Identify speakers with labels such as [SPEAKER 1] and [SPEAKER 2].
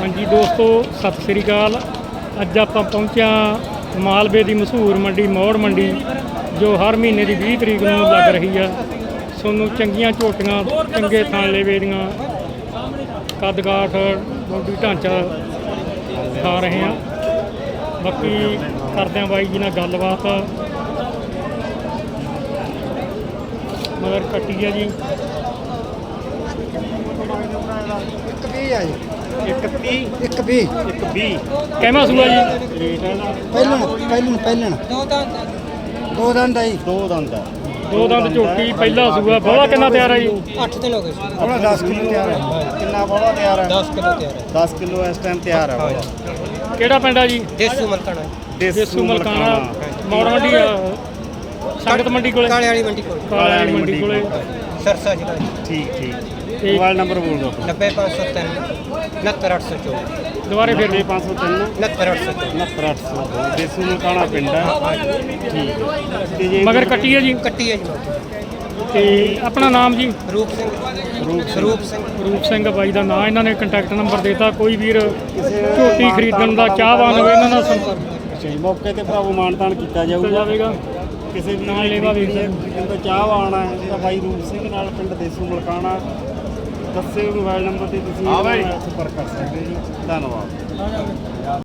[SPEAKER 1] ਹਾਂਜੀ ਦੋਸਤੋ, ਸਤਿ ਸ੍ਰੀ ਅਕਾਲ। ਅੱਜ ਆਪਾਂ ਪਹੁੰਚਿਆ ਮਾਲਵੇ ਦੀ ਮਸ਼ਹੂਰ ਮੰਡੀ ਮੌੜ ਮੰਡੀ, ਜੋ ਹਰ ਮਹੀਨੇ ਦੀ 20 ਤਰੀਕ ਨੂੰ ਲੱਗ ਰਹੀ ਆ। ਤੁਹਾਨੂੰ ਚੰਗੀਆਂ ਝੋਟੀਆਂ, ਚੰਗੇ ਥਣ ਲੇਵੇ ਦੀਆਂ, ਕੱਦ-ਕਾਠ, ਬੋਡੀ ਢਾਂਚਾ ਦਿਖਾ ਰਹੇ ਹਾਂ। ਬਾਕੀ ਕਰਦੇ ਹਾਂ ਬਾਈ ਜੀ ਨਾਲ ਗੱਲਬਾਤ। ਮਗਰ ਕੱਟੀ ਆ ਜੀ,
[SPEAKER 2] ਇੱਕ ਵੀ
[SPEAKER 1] ਕਹਿਮਾ ਸੂਆ ਜੀ।
[SPEAKER 2] ਪਹਿਲਣ ਦੋ ਦੰਦ ਆਈ
[SPEAKER 1] ਦੋ ਦੰਦ ਝੋਟੀ, ਪਹਿਲਾ ਸੂਆ। ਬੋਲਾ ਕਿੰਨਾ ਤਿਆਰ ਹੈ ਜੀ?
[SPEAKER 3] 8 ਦਿਨ ਹੋ ਗਏ ਸੀ।
[SPEAKER 2] ਥੋੜਾ 10 ਕਿਲੋ ਤਿਆਰ ਹੈ। ਕਿੰਨਾ ਬੋਲਾ ਤਿਆਰ ਹੈ?
[SPEAKER 3] 10 ਕਿਲੋ ਤਿਆਰ ਹੈ।
[SPEAKER 2] 10 ਕਿਲੋ ਇਸ ਟਾਈਮ ਤਿਆਰ ਹੈ ਬੋਲਾ।
[SPEAKER 1] ਕਿਹੜਾ ਪਿੰਡ ਆ ਜੀ?
[SPEAKER 3] ਦੇਸੂ ਮਲਕਾਣਾ
[SPEAKER 1] ਦੇਸੂ ਮਲਕਾਣਾ, ਮੌੜ ਮੰਡੀ ਆ, ਸੰਗਤ ਮੰਡੀ ਕੋਲੇ,
[SPEAKER 3] ਕਾਲੇ ਵਾਲੀ ਮੰਡੀ ਕੋਲ,
[SPEAKER 1] ਕਾਲੇ ਵਾਲੀ ਮੰਡੀ ਕੋਲੇ,
[SPEAKER 3] ਸਰਸਾ ਜ਼ਿਲ੍ਹਾ ਜੀ।
[SPEAKER 2] ਠੀਕ ਮੋਬਾਈਲ ਨੰਬਰ ਬੋਲ ਦਿਓ।
[SPEAKER 3] 90503 69824।
[SPEAKER 1] ਦੁਬਾਰੇ ਫਿਰ
[SPEAKER 2] 503
[SPEAKER 3] 69824।
[SPEAKER 2] 69802 ਦੇਸੂ ਮਲਕਾਣਾ ਪਿੰਡ ਹੈ। ਠੀਕ ਤੇ ਜੇ
[SPEAKER 1] ਮਗਰ ਕੱਟੀ ਹੈ ਜੀ।
[SPEAKER 3] ਕੱਟੀ ਹੈ ਜੀ।
[SPEAKER 1] ਤੇ ਆਪਣਾ ਨਾਮ ਜੀ?
[SPEAKER 3] ਰੂਪ ਸਿੰਘ।
[SPEAKER 1] ਰੂਪ ਸਿੰਘ ਬਾਈ ਦਾ ਨਾਂ। ਇਹਨਾਂ ਨੇ ਕੰਟੈਕਟ ਨੰਬਰ ਦੇਤਾ। ਕੋਈ ਵੀਰ ਝੋਟੀ ਖਰੀਦਣ ਦਾ ਚਾਹਵਾਨ ਹੋਵੇ ਇਹਨਾਂ ਨਾਲ ਸੰਪਰਕ
[SPEAKER 2] ਮੌਕੇ ਤੇ ਭਰਾਵੋ ਮਾਨਤਾਨ ਕੀਤਾ
[SPEAKER 1] ਜਾਵੇਗਾ।
[SPEAKER 2] ਕਿਸੇ ਵੀ
[SPEAKER 1] ਨਾਲ ਲੈਵਾ ਵੀਰ
[SPEAKER 2] ਦਾ ਚਾਹਵਾਨ ਹੈ ਤਾਂ ਬਾਈ ਰੂਪ ਸਿੰਘ ਨਾਲ ਪਿੰਡ ਦੇਸੂ ਮਲਕਾਣਾ। ਦੱਸੇ ਮੋਬਾਈਲ ਨੰਬਰ ਤੇ ਤੁਸੀਂ ਸੰਪਰਕ ਕਰ ਸਕਦੇ ਜੀ। ਧੰਨਵਾਦ।